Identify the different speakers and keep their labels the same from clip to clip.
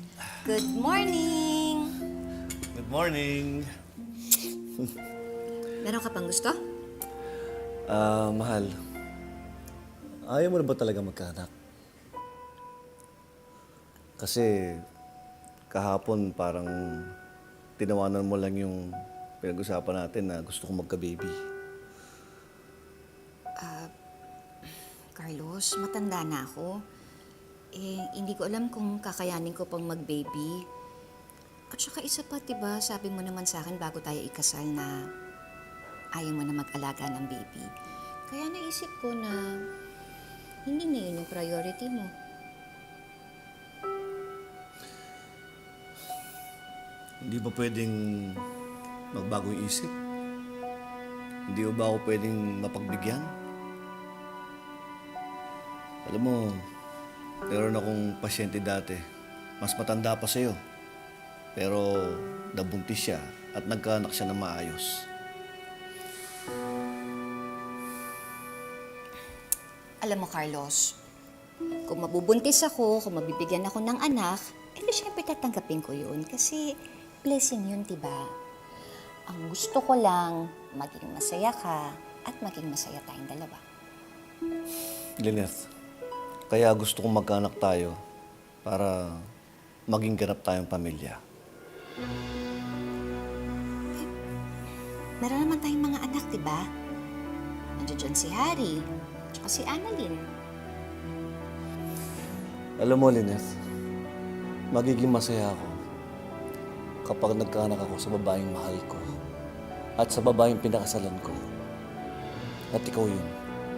Speaker 1: Good morning!
Speaker 2: Good morning.
Speaker 1: Meron ka pang gusto?
Speaker 2: Mahal. Ayaw mo na ba talaga magkaanak? Kasi kahapon parang tinawanan mo lang yung pinag-usapan natin na gusto kong magka-baby.
Speaker 1: Carlos, matanda na ako. Hindi ko alam kung kakayanin ko pang mag-baby. At saka isa pa, diba, sabi mo naman sa akin bago tayo ikasal na ayaw mo na mag-alaga ng baby. Kaya naisip ko na hindi na yun yung priority mo.
Speaker 2: Hindi ba pwedeng magbago yung isip? Hindi ba ako pwedeng mapagbigyan? Alam mo, meron akong pasyente dati. Mas matanda pa sa'yo. Pero nabuntis siya at nagkaanak siya ng maayos.
Speaker 1: Alam mo, Carlos, kung mabubuntis ako, kung mabibigyan ako ng anak, di syempre tatanggapin ko yun kasi blessing yun, diba? Ang gusto ko lang, maging masaya ka at maging masaya tayong dalawa.
Speaker 2: Lynette, kaya gusto kong magkaanak tayo para maging ganap tayong pamilya.
Speaker 1: Meron naman tayong mga anak, diba? Nandiyan dyan si Harry, tsaka si Annalyn.
Speaker 2: Alam mo, Lynette, magiging masaya ako kapag nagkaanak ako sa babaeng mahal ko at sa babaeng pinakasalan ko. At ikaw yun.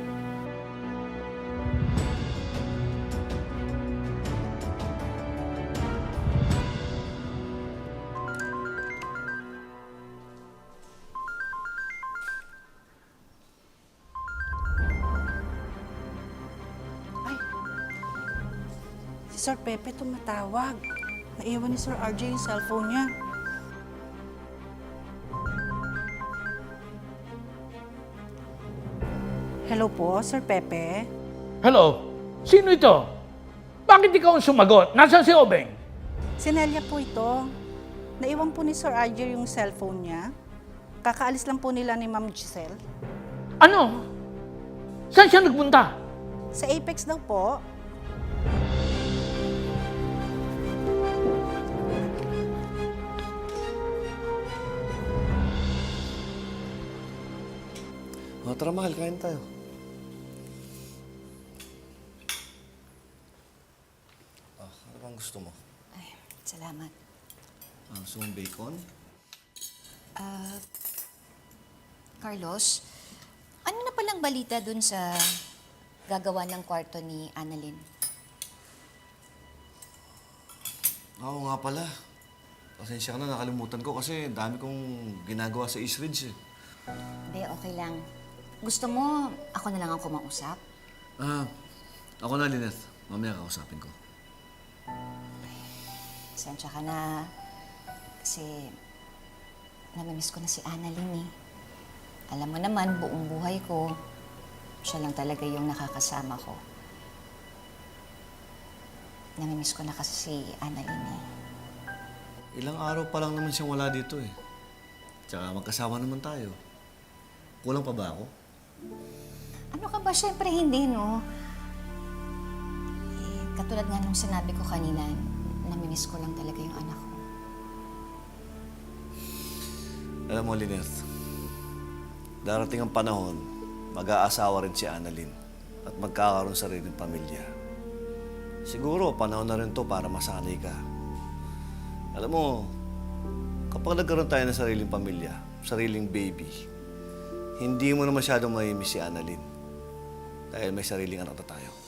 Speaker 3: Si Sir Pepe tumatawag. Naiwan ni Sir RJ yung cellphone niya. Hello po, Sir Pepe.
Speaker 4: Hello? Sino ito? Bakit ikaw ang sumagot? Nasaan si Obeng?
Speaker 3: Si Nelia po ito. Naiwan po ni Sir RJ yung cellphone niya. Kakaalis lang po nila ni Ma'am Giselle.
Speaker 4: Ano? Saan siya nagpunta?
Speaker 3: Sa Apex daw po.
Speaker 2: O, tara mahal, kain tayo. Ano bang gusto mo?
Speaker 1: Ay, salamat.
Speaker 2: Gusto mong bacon?
Speaker 1: Carlos, ano na palang balita dun sa gagawa ng kwarto ni Annalyn?
Speaker 2: Oo nga pala. Pasensya ka na, nakalimutan ko kasi dami kong ginagawa sa East Ridge eh.
Speaker 1: Hindi, okay lang. Gusto mo, ako na lang ang kumausap?
Speaker 2: Ako na, Lynette. Mamaya kakausapin ko.
Speaker 1: Pasensya ka na. Kasi namimiss ko na si Annalyn eh. Alam mo naman, buong buhay ko, siya lang talaga yung nakakasama ko. Namimiss ko na kasi si Annalyn eh.
Speaker 2: Ilang araw pa lang naman siyang wala dito eh. Tsaka magkasama naman tayo. Kulang pa ba ako?
Speaker 1: Ano ka ba? Siyempre hindi, no? Katulad nga nung sinabi ko kanina, namimiss ko lang talaga yung anak ko.
Speaker 2: Alam mo, Lynette, darating ang panahon, mag-aasawa rin si Annalyn at magkakaroon sa rin ng pamilya. Siguro, panahon na rin to para masanay ka. Alam mo, kapag nagkaroon tayo ng sariling pamilya, sariling baby, hindi mo na masyadong mamimiss si Annalyn dahil may sariling anak na tayo.